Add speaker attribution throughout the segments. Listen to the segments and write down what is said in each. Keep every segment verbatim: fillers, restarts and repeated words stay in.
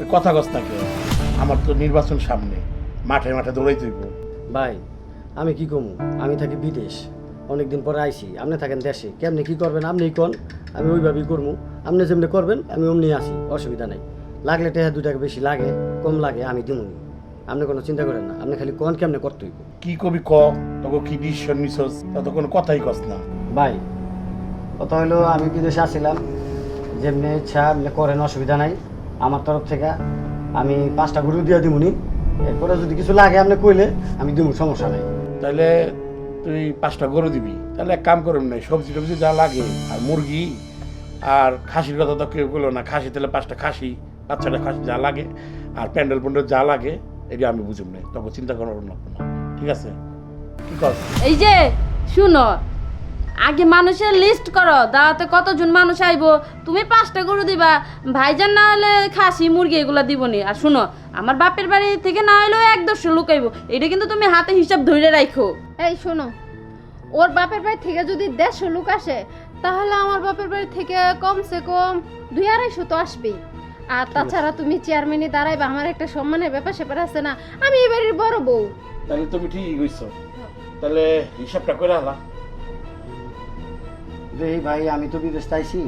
Speaker 1: কথা কস না কে? আমার তো নির্বাচন সামনে, মাঠে মাঠে দৌড়াই তুইব।
Speaker 2: ভাই আমি কি কমু, আমি থাকি বিদেশ, অনেকদিন পরে আইছি, আপনি থাকেন দেশে, কেমনি কি করবেন আপনি কোন, আমি ওইভাবেই করবো, আপনি যেমনি করবেন আমি অমনি আসি, অসুবিধা নাই। লাগলে টেহা দু টাকা বেশি লাগে কম লাগে আমি দিমুনি, আপনি কোনো চিন্তা করেন না, আপনি খালি কোন কেমনে করতে হইব।
Speaker 1: কি কবি ক, তোকে কি ডিসিশন নিছস, তত কোনো কথাই কস না।
Speaker 2: ভাই কথা হলো আমি বিদেশে আসছিলাম, যেমনি ইচ্ছা আপনি করেন, অসুবিধা নাই আমার তরফ থেকে, আমি পাঁচটা গরু দিয়ে দিমুনি, এরপরে যদি কিছু লাগে আপনি কইলে আমি দিমু, সমস্যা নাই।
Speaker 1: তাহলে তুই পাঁচটা গরু দিবি, তাহলে এক কাম করুন না, সবজি টবজি যা লাগে আর মুরগি আর খাসির কথা তো কেউ বললো না, খাসি তাহলে পাঁচটা খাসি, বাচ্চাটা খাসি যা লাগে আর প্যান্ডেল প্যান্ডেল যা লাগে এটা আমি বুঝুম না, তখন চিন্তা করার না, ঠিক আছে? কি কর?
Speaker 3: এই যে শুনো, আগে মানুষের লিস্ট করো, দাওয়াতে কতজন মানুষ আইবো, তুমি পাঁচটা গরু দিবা, ভাইজান না হলে খাসি মুরগি এগুলা দিবনি। আর শুনো, আমার বাপের বাড়ি থেকে না হলেও এক দশটা লোক আইবো, এটা কিন্তু তুমি হাতে হিসাব ধরে রাখো।
Speaker 4: এই শোনো, ওর বাপের বাড়ি থেকে যদি দেড়শো লোক আসে, তাহলে আমার বাপের বাড়ি থেকে কমসে কম দুই আড়াইশো তো আসবেই। আর তাছাড়া তুমি চেয়ারম্যানে দাঁড়াইবা, আমার একটা সম্মানের ব্যাপার স্যাপার আছে না, আমি এই বাড়ির বড় বউ।
Speaker 1: তাহলে তুমি ঠিকই কইছো, তাহলে হিসাবটা করে আলা।
Speaker 2: এই ভাই আমি তো বিদেশ চাইছি,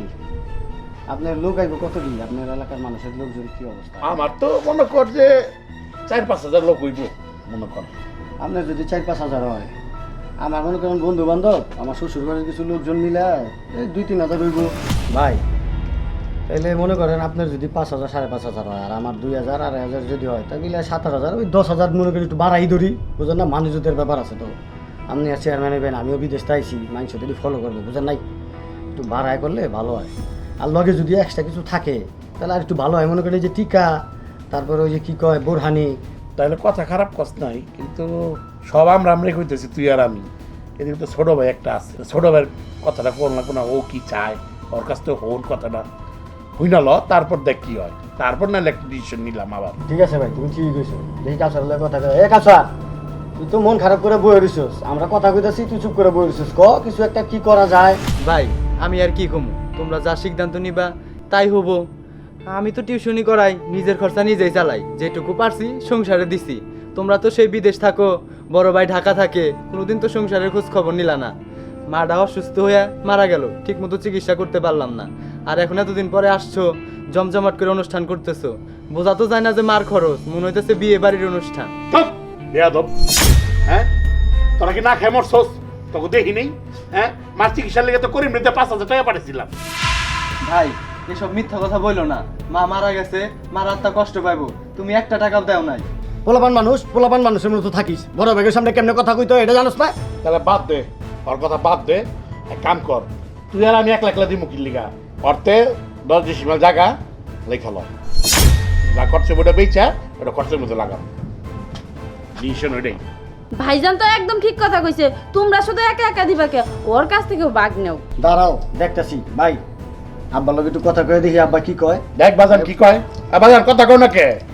Speaker 2: আপনার লোক আইব কত দিন, আপনার এলাকার মানুষের লোকজন কি অবস্থা?
Speaker 1: আমার তো মনে কর যে চার পাঁচ হাজার লোক হইব, মনে কর।
Speaker 2: আপনার যদি চার পাঁচ হাজার হয়, আমার মনে করেন বন্ধু বান্ধব, আমার শ্বশুর বাড়ির কিছু লোকজন মিলে এই দুই তিন হাজার হইব। ভাই তাইলে মনে করেন আপনার যদি পাঁচ হাজার সাড়ে পাঁচ হাজার হয়, আর আমার দুই হাজার আড়াই হাজার যদি হয়, তা মিলে সাত আট হাজার, ওই দশ হাজার মনে করি একটু বাড়াই ধরি, বুঝেন না, মানুষদের ব্যাপার আছে তো। আপনি আর চেয়ারম্যান হইবেন, আমিও বিদেশ চাইছি, মানুষ যদি ফলো করবো, বুঝেন নাই, একটু বাড়াই করলে ভালো হয়। আর লগে যদি এক্সট্রা কিছু থাকে তাহলে আর একটু ভালো হয়, মনে করি যে টিকা, তারপরে ওই যে কী কয় বোরহানি।
Speaker 1: তাহলে কথা খারাপ কস নাই, কিন্তু সব আমরা আমরাই কইতেছি, তুই আর আমি। এদিকে তো ছোট ভাই একটা আছে, ছোট ভাইয়ের কথাটা কোন না কোনো, ও কি চায়, ওর কাছ থেকে হোন কথাটা হই না ল, তারপর দেখ কি হয়, তারপর না একটা ডিসিশন নিলাম আবার।
Speaker 2: ঠিক আছে ভাই, তুমি ঠিক কইছো, দেখি কাছার লগে কথা কয়। এ কাছা, তুই তো মন খারাপ করে বই রইছস, আমরা কথা কইতাছি তুই চুপ করে বই রইছস, ক কিছু একটা কি করা যায়।
Speaker 5: ভাই আমি আর কি কমু, তোমরা যা সিদ্ধান্ত নিবা তাই হব। আমি তো টিউশনি করাই, নিজের খরচা নিজেই চালাই, যেটুকু পারছি সংসারে দিছি। তোমরা তো সেই বিদেশ থাকো, বড় ভাই ঢাকা থাকে, কোনোদিন তো সংসারের খোঁজ খবর নিলা না। মাটা অসুস্থ হয়ে মারা গেল, ঠিক মতো চিকিৎসা করতে পারলাম না, আর এখন এতদিন পরে আসছো, জমজমাট করে অনুষ্ঠান করতেছো, বোঝা তো যায় না যে মার খরচ, মনে হইতেছে বিয়ে বাড়ির অনুষ্ঠান।
Speaker 1: বেয়াদব, হ্যাঁ তোরা কি না খেয়ে মরছস? তোকে দেখি নেই, হ্যাঁ মার চিকিৎসার লেগে তো করিম নিতে পাঁচ হাজার টাকা পাঠিয়েছিলাম।
Speaker 5: ভাই এসব মিথ্যা কথা বইলো না, মা মারা গেছে, মার আত্মা কষ্ট পাইবো, তুমি একটা টাকাও দেও নাই।
Speaker 2: পোলাপান মানুষ, পোলাপান মানুষের মতো থাকিস, বড় ভাইয়ের সামনে কেমনে কথা কইতো এটা জানোস না?
Speaker 1: তাহলে বাদ দে, ওর কথা বাদ দে, এক কাম কর, তুই আর আমি একলা একলা দিই মুখির লিগা, অর্থে দশ ডিসিমাল জায়গা লেখা ল, যা খরচে ওটা বেচা ওটা খরচের মধ্যে লাগাম, ডিসিশন ওইটাই।
Speaker 3: ভাইজান তো একদম ঠিক কথা কইছে, তোমরা শুধু একা একা দিবা কে, ওর কাছ থেকেও বাগ নেও।
Speaker 2: দাঁড়াও দেখতাছি ভাই, আব্বার লগে একটু কথা কয়ে দেখি আব্বা কি কয়।
Speaker 1: দেখ বাজান কি কয়, বাজান কথা কও না কে?